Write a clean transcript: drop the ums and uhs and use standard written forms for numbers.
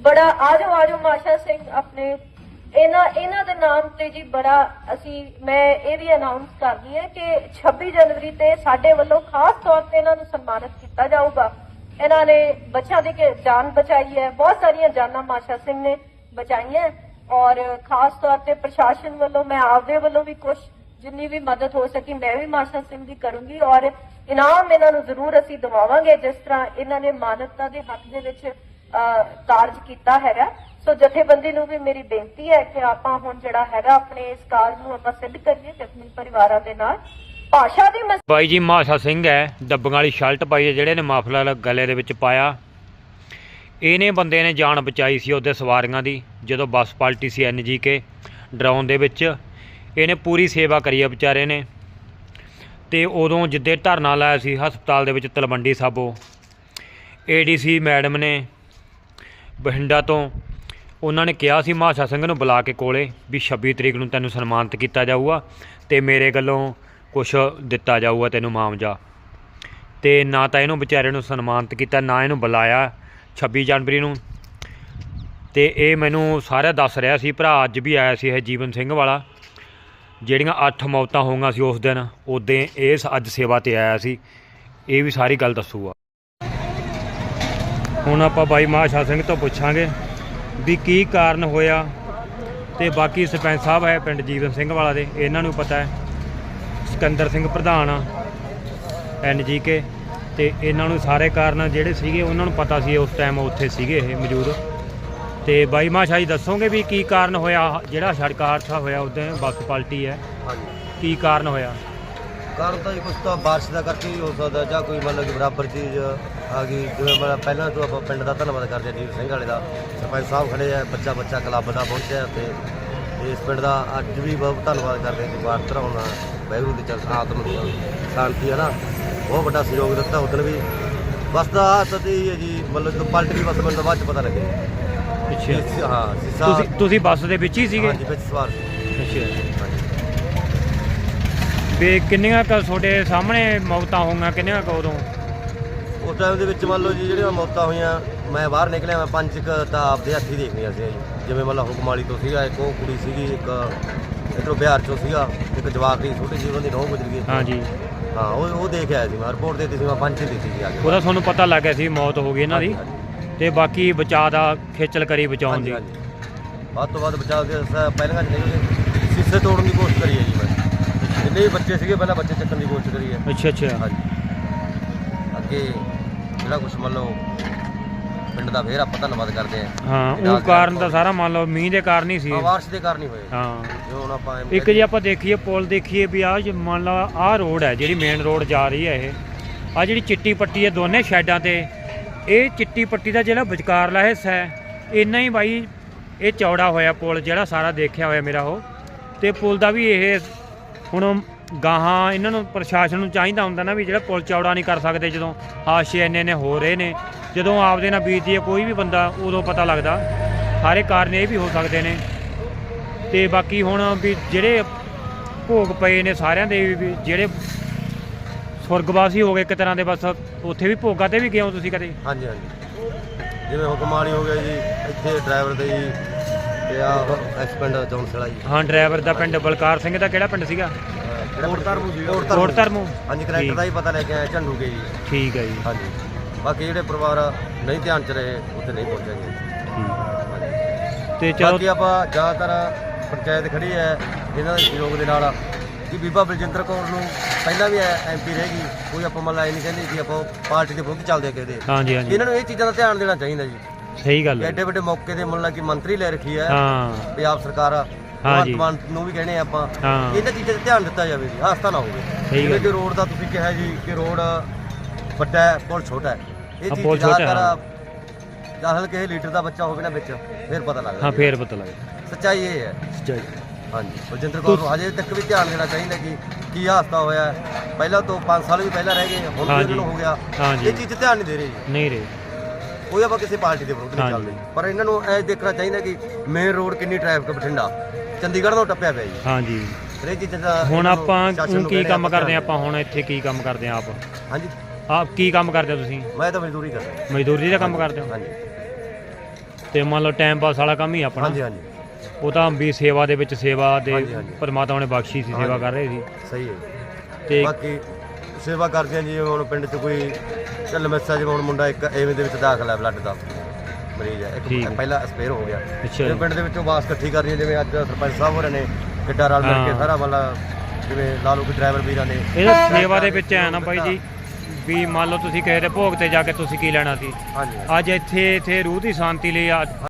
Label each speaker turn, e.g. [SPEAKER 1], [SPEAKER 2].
[SPEAKER 1] बड़ा आजो आजो माशा सिंह अपने इन्हां दे नाम ते जी बड़ा असी मैं ये भी अनाउंस करदी है कि 26 जनवरी ते साडे वल्लों खास तौर ते इन्हां नूं सन्मानित किया जाऊगा। इन्हां ने बच्चों की जान बचाई है, बहुत सारिया जाना माशा सिंह ने बचाई है और खास तौर ते प्रशासन वल्लों मैं आपदे वल्लों भी कुछ जिन्नी भी मदद हो सकी मैं भी माशा सिंह की करूंगी और इनाम इन्हां नूं जरूर असी दिवावांगे जिस तरह इन्हां ने मानवता के हक दे विच कार्ज किया है। सो जथेबंदी नूं भी मेरी बेनती है कि आपां हुण जिहड़ा हैगा अपने इस कार्ज नूं आपां सिद्ध करिए जख्मी परिवारां दे नाल। भाषा दी
[SPEAKER 2] बाई जी माशा सिंह है, डब्बियां वाली शर्ट पाई है, जिहड़े ने माफलर गले दे विच पाया। इहने बंदे ने जान बचाई सी उहदे सवारियां दी जदों बस पलटी सी NGK ड्राउन दे विच। इहने पूरी सेवा करी है बेचारे ने। ते उदों जिद्दे धरना लाया सी हस्पताल दे विच तलवंडी साबो, ADC मैडम ने बठिंडा तो उन्होंने कहा सी माशा सिंह नूं बुला के कोले भी 26 तरीक नूं तैनूं सन्मानित किया जाऊगा तो मेरे गल्लों कुछ दिता जाऊगा तैनूं मामजा। तो ना तो इहनूं बेचारे नूं सन्मानित किया ना इहनूं बुलाया 26 जनवरी नूं। ते ये मैनूं सारा दस रहा सी, भरा अज भी आया सी जीवन सिंह वाला, जिहड़ियां 8 मौतां होईयां सी उस दिन, उदे ये अज सेवा ते आया सी। ये भी सारी गल दसूगा। हुण आपां बाई माशा सिंह तो पुछांगे भी की कारण होया। ते बाकी सरपंच साहब है पिंड जीवन सिंह वाला दे, इन्हां नूं पता है। सिकंदर सिंह प्रधान NGK, ते इन्हां नूं सारे कारण जिहड़े सीगे उन्हां नूं पता सी, उस टाइम उत्थे सीगे ये मौजूद। ते बाई माशा जी दसोगे भी की कारण होया जिहड़ा सड़क हादसा होया उदे बस पलटी है, की कारण होया?
[SPEAKER 3] कारण तो कुछ तो बारिश का करके ही हो सकता, ਜਾਂ कोई मतलब कि बराबर चीज़ आ गई। जिवें मैं पहला तो आप पिंड का धन्यवाद करते हैं जीवन सिंह वाले का, सरपंच साहब खड़े है, बच्चा बच्चा क्लब का पहुंचे तो इस पिंड का अज भी बहुत धन्यवाद करते हैं। बार धराउणा वाहिगुरू की चल आत्म शांति है ना, बहुत बड़ा सहयोग दिता उधर भी। बस का हादसा ही है जी, मतलब तो पलट गई बस, मैंने बाद पता लगे।
[SPEAKER 2] अच्छा
[SPEAKER 3] हाँ शीशा
[SPEAKER 2] तुसीं बस दे विच ही सीगे?
[SPEAKER 3] हाँ जी विच सवार सी।
[SPEAKER 2] अच्छा भी किन्नियां क तुहाडे सामने मौतां होईयां, किन्नियां क उदों?
[SPEAKER 3] उस टाइम ਦੇ ਵਿੱਚ ਮੰਨ ਲਓ ਜੀ ਜਿਹੜੀਆਂ ਮੌਤਾਂ ਹੋਈਆਂ, ਮੈਂ ਬਾਹਰ ਨਿਕਲਿਆ, ਮੈਂ 5 ਤਾਂ ਆਪਦੇ ਹੱਥੀਂ ਦੇਖਣੀਆਂ ਸੀ ਜੀ। ਜਿਵੇਂ ਮਤਲਬ ਹੁਕਮਾਲੀ ਤੋਂ ਸੀਗਾ ਇੱਕ, ਉਹ ਕੁੜੀ ਸੀਗੀ ਇੱਕ, ਇੱਧਰੋਂ ਬਿਹਾਰ ਚੋਂ ਸੀਗਾ ਇੱਕ ਜਵਾਕ ਦੀ ਛੋਟੀ ਜਿਹੀ, ਉਹਦੀ ਨਹੁੰ ਗੁਜ਼ਰ ਗਈ।
[SPEAKER 2] ਹਾਂਜੀ
[SPEAKER 3] ਹਾਂ ਉਹ ਦੇਖ ਆਇਆ ਸੀ ਮੈਂ, ਰਿਪੋਰਟ ਦਿੱਤੀ ਸੀ ਮੈਂ, 5 ਦਿੱਤੀ ਸੀ ਆ ਕੇ।
[SPEAKER 2] ਉਹਦਾ ਤੁਹਾਨੂੰ ਪਤਾ ਲੱਗ ਗਿਆ ਸੀ ਮੌਤ ਹੋ ਗਈ ਇਹਨਾਂ ਦੀ, ਤੇ ਬਾਕੀ ਬਚਾਅ ਦਾ ਖੇਚਲ ਕਰੀ ਬਚਾਉਣ ਦੀ।
[SPEAKER 3] ਵੱਧ ਤੋਂ ਵੱਧ ਬਚਾਅ ਕੇ ਪਹਿਲਾਂ ਨਿਕਲ ਸ਼ੀਸ਼ੇ ਤੋੜਨ ਦੀ ਕੋਸ਼ਿਸ਼ ਕਰੀ ਹੈ ਜੀ ਮੈਂ। ਜਿੰਨੇ ਵੀ ਬੱਚੇ ਸੀਗੇ ਪਹਿਲਾਂ ਬੱਚੇ ਚੱਕਣ ਦੀ ਕੋਸ਼ਿਸ਼ ਕਰੀ ਹੈ।
[SPEAKER 2] ਅੱਛਾ ਅੱਛਾ
[SPEAKER 3] ਹਾਂਜੀ ਅੱਗੇ ਜਿਹੜਾ ਕੁਛ ਮੰਨ ਲਓ ਪਿੰਡ ਦਾ ਫੇਰ ਆਪਾਂ ਧੰਨਵਾਦ ਕਰਦੇ ਹਾਂ।
[SPEAKER 2] ਹਾਂ ਉਹ ਕਾਰਨ ਤਾਂ ਸਾਰਾ ਮੰਨ ਲਓ ਮੀਂਹ ਦੇ ਕਾਰਨ ਹੀ ਸੀ,
[SPEAKER 3] ਬਾਰਿਸ਼ ਦੇ ਕਾਰਨ ਹੀ ਹੋਏ।
[SPEAKER 2] ਹਾਂ
[SPEAKER 3] ਜੋ ਹੁਣ ਆਪਾਂ
[SPEAKER 2] ਇੱਕ ਜੇ ਆਪਾਂ ਦੇਖੀਏ ਪੁਲ ਦੇਖੀਏ ਵੀ ਆਹ ਮੰਨ ਲਓ ਆਹ ਰੋਡ ਹੈ ਜਿਹੜੀ ਮੇਨ ਰੋਡ ਜਾ ਰਹੀ ਹੈ, ਇਹ ਆਹ ਜਿਹੜੀ ਚਿੱਟੀ ਪੱਟੀ ਹੈ ਦੋਨੇ ਸਾਈਡਾਂ ਤੇ, ਇਹ ਚਿੱਟੀ ਪੱਟੀ ਦਾ ਜਿਹੜਾ ਵਿਚਕਾਰਲਾ ਹਿੱਸਾ ਹੈ ਇੰਨਾ ਹੀ ਬਾਈ ਇਹ ਚੌੜਾ ਹੋਇਆ ਪੁਲ, ਜਿਹੜਾ ਸਾਰਾ ਦੇਖਿਆ ਹੋਇਆ ਮੇਰਾ ਉਹ। ਤੇ ਪੁਲ ਦਾ ਵੀ ਇਹ ਹੁਣ ਗਾਹਾਂ ਇਹਨਾਂ ਨੂੰ ਪ੍ਰਸ਼ਾਸਨ ਨੂੰ ਚਾਹੀਦਾ ਹੁੰਦਾ ਨਾ ਵੀ ਜਿਹੜਾ ਪੁਲ ਚੌੜਾ ਨਹੀਂ ਕਰ ਸਕਦੇ ਜਦੋਂ ਹਾਦਸੇ ਇੰਨੇ ਹੋ ਰਹੇ ਨੇ, ਜਦੋਂ ਆਪਦੇ ਨਾਲ ਬੀਤਦੀ ਹੈ ਕੋਈ ਵੀ ਬੰਦਾ ਉਦੋਂ ਪਤਾ ਲੱਗਦਾ। ਸਾਰੇ ਕਾਰਨ ਇਹ ਵੀ ਹੋ ਸਕਦੇ ਨੇ। ਤੇ ਬਾਕੀ ਹੁਣ ਵੀ ਜਿਹੜੇ ਭੋਗ ਪਏ ਨੇ ਸਾਰਿਆਂ ਦੇ ਵੀ ਜਿਹੜੇ ਸੁਰਗਵਾਸੀ ਹੋ ਗਏ ਇੱਕ ਤਰ੍ਹਾਂ ਦੇ, ਬਸ ਉੱਥੇ ਵੀ ਭੋਗਾਂ ਤੇ ਵੀ ਗਏ ਹੋ ਤੁਸੀਂ ਕਦੇ?
[SPEAKER 3] ਹਾਂਜੀ ਹਾਂਜੀ ਜਿਵੇਂ ਹੁਕਮਾਲੀ ਹੋ ਗਿਆ ਜੀ, ਇੱਥੇ ਡਰਾਈਵਰ ਦੇ ਜੀ, ਤੇ ਆ ਇਸ ਪਿੰਡ ਜੌਨਸਲਾ ਜੀ।
[SPEAKER 2] ਹਾਂ ਡਰਾਈਵਰ ਦਾ ਪਿੰਡ ਬਲਕਾਰ ਸਿੰਘ ਦਾ ਕਿਹੜਾ ਪਿੰਡ ਸੀਗਾ? ਕੋਟ ਧਰਮੂ।
[SPEAKER 3] ਹਾਂਜੀ ਕਨੈਕਟਰ ਦਾ ਹੀ ਪਤਾ ਲੈ ਕੇ ਆਇਆ ਝੰਡੂ ਕੇ ਜੀ। ਠੀਕ
[SPEAKER 2] ਹੈ ਜੀ।
[SPEAKER 3] ਹਾਂਜੀ ਬਾਕੀ ਜਿਹੜੇ ਪਰਿਵਾਰ ਨਹੀਂ ਧਿਆਨ 'ਚ ਰਹੇ ਉੱਥੇ ਨਹੀਂ ਪਹੁੰਚਾਂਗੇ।
[SPEAKER 2] ਤੇ ਚਲੋ
[SPEAKER 3] ਬਾਕੀ ਆਪਾਂ ਜ਼ਿਆਦਾਤਰ ਪੰਚਾਇਤ ਖੜੀ ਹੈ ਇਹਨਾਂ ਦੇ ਸਹਿਯੋਗ ਦੇ ਨਾਲ ਕਿ ਬੀਬਾ ਬਲਜਿੰਦਰ ਕੌਰ ਨੂੰ ਪਹਿਲਾਂ ਵੀ MP ਰਹੇਗੀ, ਕੋਈ ਆਪਾਂ ਮਤਲਬ ਇਹ ਨਹੀਂ ਕਹਿੰਦੇ ਕਿ ਆਪਾਂ ਪਾਰਟੀ ਦੇ ਵਿਰੁੱਧ ਚੱਲਦੇ ਕਿਸੇ ਦੇ।
[SPEAKER 2] ਹਾਂਜੀ ਹਾਂਜੀ
[SPEAKER 3] ਇਹਨਾਂ ਨੂੰ ਇਹ ਚੀਜ਼ਾਂ ਦਾ ਧਿਆਨ ਦੇਣਾ ਚਾਹੀਦਾ ਜੀ।
[SPEAKER 2] ਸਹੀ ਗੱਲ ਹੈ।
[SPEAKER 3] ਐਡੇ ਵੱਡੇ ਮੌਕੇ ਦੇ ਮੁੱਲਾ ਕਿ ਮੰਤਰੀ ਲੈ ਰੱਖੀ ਹੈ
[SPEAKER 2] ਹਾਂ
[SPEAKER 3] ਪੰਜਾਬ ਸਰਕਾਰ, ਭਗਵਾਨ ਨੂੰ ਵੀ ਕਹਿੰਦੇ ਆਪਾਂ ਇਹਨਾਂ ਚੀਜ਼ਾਂ 'ਤੇ ਧਿਆਨ ਦਿੱਤਾ ਜਾਵੇ ਜੀ, ਹਾਦਸਾ ਨਾ ਹੋਵੇ। ਜਿਵੇਂ ਕਿ ਰੋਡ ਦਾ ਤੁਸੀਂ ਕਿਹਾ ਜੀ ਕਿ ਰੋਡ ਵੱਡਾ ਹੈ ਪੁਲ ਛੋਟਾ ਹੈ, ਇਹ ਚੀਜ਼ ਜ਼ਿਆਦਾਤਰ ਚਾਹਲ ਕਿਸੇ ਲੀਡਰ ਦਾ ਬੱਚਾ ਹੋਵੇ ਨਾ ਵਿੱਚ ਫਿਰ ਪਤਾ ਲੱਗਦਾ।
[SPEAKER 2] ਹਾਂ ਫੇਰ ਪਤਾ ਲੱਗਦਾ,
[SPEAKER 3] ਸੱਚਾਈ ਇਹ ਹੈ।
[SPEAKER 2] ਸੱਚਾਈ
[SPEAKER 3] ਹਾਂਜੀ ਬਲਜਿੰਦਰ ਕੌਰ ਨੂੰ ਹਜੇ ਤੱਕ ਵੀ ਧਿਆਨ ਦੇਣਾ ਚਾਹੀਦਾ ਕਿ ਕੀ ਹਾਦਸਾ ਹੋਇਆ। ਪਹਿਲਾਂ ਤੋਂ 5 ਸਾਲ ਵੀ ਪਹਿਲਾਂ ਰਹਿ ਗਏ, ਹੁਣ ਵੀ ਇਹਨਾਂ ਨੂੰ ਹੋ ਗਿਆ। ਇਹ ਚੀਜ਼ 'ਤੇ ਧਿਆਨ ਨਹੀਂ ਦੇ ਰਹੇ ਜੀ,
[SPEAKER 2] ਨਹੀਂ ਰਹੇ।
[SPEAKER 3] ਕੋਈ ਆਪਾਂ ਕਿਸੇ ਪਾਰਟੀ ਦੇ ਵਿਰੁੱਧ ਨਹੀਂ ਚੱਲਦੇ, ਪਰ ਇਹਨਾਂ ਨੂੰ ਇਹ ਦੇਖਣਾ ਚਾਹੀਦਾ ਕਿ ਮੇਨ ਰੋਡ ਕਿੰਨੀ ਟ੍ਰੈਫਿਕ ਬਠਿੰਡਾ ਚੰਡੀਗੜ੍ਹ ਤੋਂ ਟੱਪਿਆ ਪਿਆ ਜੀ।
[SPEAKER 2] ਹਾਂਜੀ
[SPEAKER 3] ਇਹ ਚੀਜ਼ਾਂ ਦਾ
[SPEAKER 2] ਹੁਣ ਆਪਾਂ ਕੀ ਕੰਮ ਕਰਦੇ ਆਪਾਂ ਹੁਣ ਇੱਥੇ ਕੀ ਕੰਮ ਕਰਦੇ ਆ ਆਪ?
[SPEAKER 3] ਹਾਂਜੀ
[SPEAKER 2] ਆਪ ਕੀ ਕੰਮ ਕਰਦੇ ਹੋ ਤੁਸੀਂ?
[SPEAKER 3] ਮੈਂ ਤਾਂ ਮਜ਼ਦੂਰੀ ਕਰਦਾ।
[SPEAKER 2] ਮਜ਼ਦੂਰੀ ਦਾ ਕੰਮ ਕਰਦੇ ਹੋ?
[SPEAKER 3] ਹਾਂਜੀ
[SPEAKER 2] ਤੇ ਮੰਨ ਲਓ ਟਾਈਮ ਪਾਸ ਵਾਲਾ ਕੰਮ ਹੀ ਆਪਣਾ।
[SPEAKER 3] ਹਾਂਜੀ ਹਾਂਜੀ
[SPEAKER 2] ਉਹ ਤਾਂ ਵੀ ਸੇਵਾ ਦੇ ਵਿੱਚ ਸੇਵਾ ਦੇ
[SPEAKER 3] ਹਾਂਜੀ, ਹਾਂਜੀ।
[SPEAKER 2] ਪਰਮਾਤਮਾ ਨੇ ਬਖਸ਼ੀ ਸੀ, ਸੇਵਾ ਕਰ ਰਹੇ ਸੀ।
[SPEAKER 3] ਸਹੀ ਹੈ ਜੀ।
[SPEAKER 2] ਤੇ
[SPEAKER 3] ਬਾਕੀ ਸੇਵਾ ਕਰਦੇ ਹਾਂ ਜੀ। ਹੁਣ ਪਿੰਡ 'ਚ ਕੋਈ ਢਿੱਲ-ਮਿੱਸਾ ਜਿਵੇਂ ਹੁਣ ਮੁੰਡਾ ਇੱਕ ਐਵੇਂ ਦੇ ਵਿੱਚ ਦਾਖਲ ਹੈ, ਬਲੱਡ ਦਾ ਮਰੀਜ਼ ਹੈ,
[SPEAKER 2] ਠੀਕ
[SPEAKER 3] ਇੱਕ
[SPEAKER 2] ਹੈ।
[SPEAKER 3] ਪਹਿਲਾਂ ਐਕਸਪਾਇਰ ਹੋ ਗਿਆ।
[SPEAKER 2] ਅੱਛਾ
[SPEAKER 3] ਜਿਵੇਂ
[SPEAKER 2] ਜੀ।
[SPEAKER 3] ਪਿੰਡ ਦੇ ਵਿੱਚੋਂ ਬਾਸ ਇਕੱਠੀ ਕਰਨੀ ਹੈ, ਜਿਵੇਂ ਅੱਜ ਸਰਪੰਚ ਸਾਹਿਬ ਹੋਰਾਂ ਨੇ ਕਿੱਡਾ ਰਲ ਮਿਲ ਕੇ
[SPEAKER 2] ਹਾਂ।
[SPEAKER 3] ਸਾਰਾ ਮਤਲਬ ਜਿਵੇਂ ਲਾ ਲਓ ਕਿ ਡਰਾਈਵਰ ਵੀਰਾਂ ਨੇ
[SPEAKER 2] ਇਹਦਾ ਸੇਵਾ ਦੇ ਵਿੱਚ ਐ ਨਾ ਬਾਈ ਜੀ ਵੀ ਮੰਨ ਲਓ ਤੁਸੀਂ ਕਿਸੇ ਦੇ ਭੋਗ ਤੇ ਜਾ ਕੇ ਤੁਸੀਂ ਕੀ ਲੈਣਾ ਸੀ,
[SPEAKER 3] ਹਾਂਜੀ
[SPEAKER 2] ਅੱਜ ਇੱਥੇ ਰੂਹ ਦੀ ਸ਼ਾਂਤੀ ਲਈ